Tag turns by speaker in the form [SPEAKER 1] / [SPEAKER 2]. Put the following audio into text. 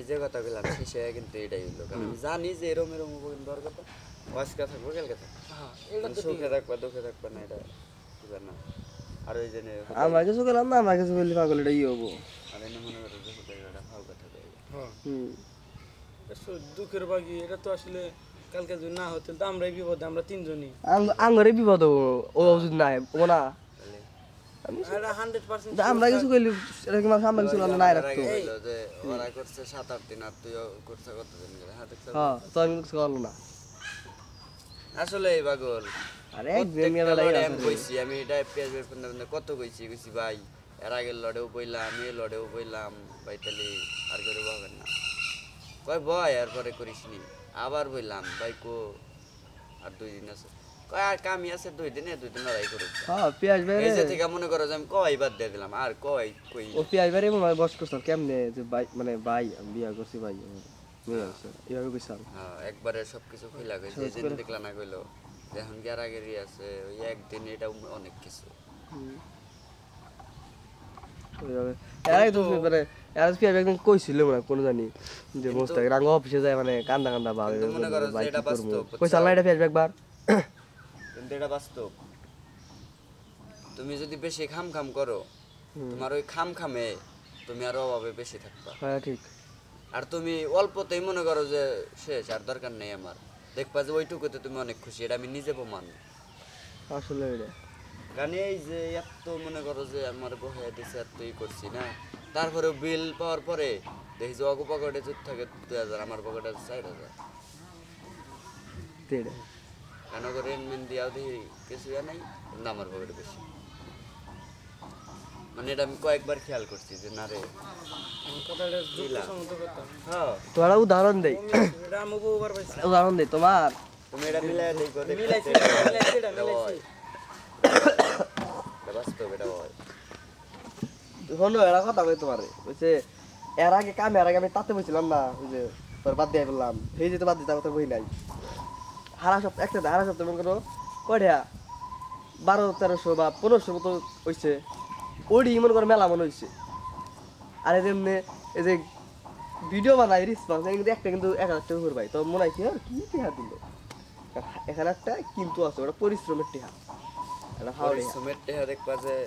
[SPEAKER 1] আমি যে কথা বললাম শেষে কিন্তু এটাই হইলো, কারণ আমি জানি যে এরম এরম হবো, কিন্তু ওর কথা আজকে থাকবো কালকে থাকবো,
[SPEAKER 2] হ্যাঁ এটা তো
[SPEAKER 1] সুখে থাকবা দুঃখে থাকবা না, এটা বুঝবেন না। আর ওই জন্য
[SPEAKER 3] আমরা কিছু করলাম না, আমরা কিছু করলে পাগল এটা ই হবো।
[SPEAKER 1] আর এনে মনে করো যে হুদাই এটা ভালো কথা দেয়।
[SPEAKER 2] হ্যাঁ
[SPEAKER 3] হুম।
[SPEAKER 2] দুঃখের বাকি এটা তো আসলে কালকে যদি না হতো তো আমরাই বিপদে, আমরা তিনজনই।
[SPEAKER 3] আঙ্গরে বিপদ হবো, ও যদি নাই ও না।
[SPEAKER 2] এটা 100%
[SPEAKER 3] আমরা কিছু করলে এটা কি মানুষ আমরা কিছু করলে নাই রাখতো।
[SPEAKER 1] যে ওরা করছে 7-8 দিন আর তুইও করছে কতদিন করে, হ্যাঁ দেখছো?
[SPEAKER 3] হ্যাঁ তো আমি কিছু করলো না।
[SPEAKER 1] আসলে এই পাগল
[SPEAKER 3] আরে একদিন মেলা লাগে
[SPEAKER 1] আমি কইছি, আমি এটা পেঁয়াজ বের করতে কত কইছি ভাই, এর আগের লড়েও বইলাম, এই লড়েও বইলাম ভাই, তাহলে আর করে বলবেন না, কয় ভয় আর পরে করিস নি, আবার বইলাম ভাই কো আর 2 দিন আছে, কয় আর কামি আছে 2 দিনে, 2 দিন লড়াই করুক।
[SPEAKER 3] হ্যাঁ পেঁয়াজ ভাই
[SPEAKER 1] এই যে থেকে মনে করো যে আমি কয় বাদ দিয়ে দিলাম, আর কই
[SPEAKER 3] ও পেঁয়াজ ভাই বস করছিলাম কেমনে যে ভাই মানে ভাই আমি বিয়া করছি ভাই মেয়ে আছে এইভাবে কইছিলাম।
[SPEAKER 1] হ্যাঁ একবারে সবকিছু কইলা কইছে, এই যে দেখলা না কইলো যে এখন কি আর আগেরই আছে, ওই একদিন এটা অনেক কিছু।
[SPEAKER 3] ওইভাবে এরাই তো মানে এরা পেঁয়াজ একদিন কইছিল মানে কোনো জানি যে মোস্তাক রাঙ্গ অফিসে যায় মানে কান্দা কান্দা ভাবে
[SPEAKER 1] কিন্তু মনে করো যে
[SPEAKER 3] ভাই
[SPEAKER 1] এটা
[SPEAKER 3] কি করবো
[SPEAKER 1] বাস্তব,
[SPEAKER 3] কইসাল না এটা পেঁয়াজ একবার।
[SPEAKER 1] কিন্তু এটা বাস্তব, তুমি যদি বেশি খাম খাম করো, তোমার ওই খাম খামে তুমি আরো অভাবে বেশি থাকবা।
[SPEAKER 3] হ্যাঁ ঠিক।
[SPEAKER 1] আর তুমি অল্পতেই মনে করো যে শেষ, আর দরকার নেই আমার, দেখবা যে ওইটুকুতে তুমি অনেক খুশি, এটা আমি নিজে প্রমাণ।
[SPEAKER 3] আসলে এটা
[SPEAKER 1] কারণ এই যে এত মনে করো যে আমার বহে দিছে এতই করছি না, তারপরেও বিল পাওয়ার পরে দেখি যে অগো পকেটে যদি থাকে 2000, আমার পকেটে 4000,
[SPEAKER 3] এটা
[SPEAKER 1] কেন করে রেনমেন্ট দিয়াও দেখি কিছু নাই, কিন্তু আমার পকেটে বেশি। মানে এটা আমি কয়েকবার খেয়াল করছি যে না রে,
[SPEAKER 2] কথাটা যুক্তিসঙ্গত কথা।
[SPEAKER 1] হ্যাঁ
[SPEAKER 3] তোরা উদাহরণ দেই,
[SPEAKER 2] এটা আমি বহুবার পাইছি।
[SPEAKER 3] উদাহরণ দেই তোমার
[SPEAKER 1] তুমি এটা মিলাই দেখো,
[SPEAKER 2] মিলাইছি এটা মিলাইছি।
[SPEAKER 1] এটা বাস্তব, এটা হয়।
[SPEAKER 3] শোনো এরা কথা কই তোমারে বলছে এর আগে কামে এর আগে আমি তাতে বলছিলাম না ওই যে তোর বাদ দিয়ে বললাম সেই যে তো বাদ দিতে তোর বই নাই হারা সপ্তাহ একটা হারা সপ্তাহ মনে করো কয়টা 1200-1300 বা 1500 মতো হইছে, ওডি মনে করো মেলা মনে হইছে। আর এই যেমনি এই যে ভিডিও বানাই রিসপন্স কিন্তু একটা কিন্তু 1000 টাকা করে পাই, তো মনে হয় কি আর কি টিহা দিল এখানে একটা কিন্তু আছে ওটা পরিশ্রমের টিহা, এটা হাওড়ে
[SPEAKER 1] পরিশ্রমের টেহা দেখবা যে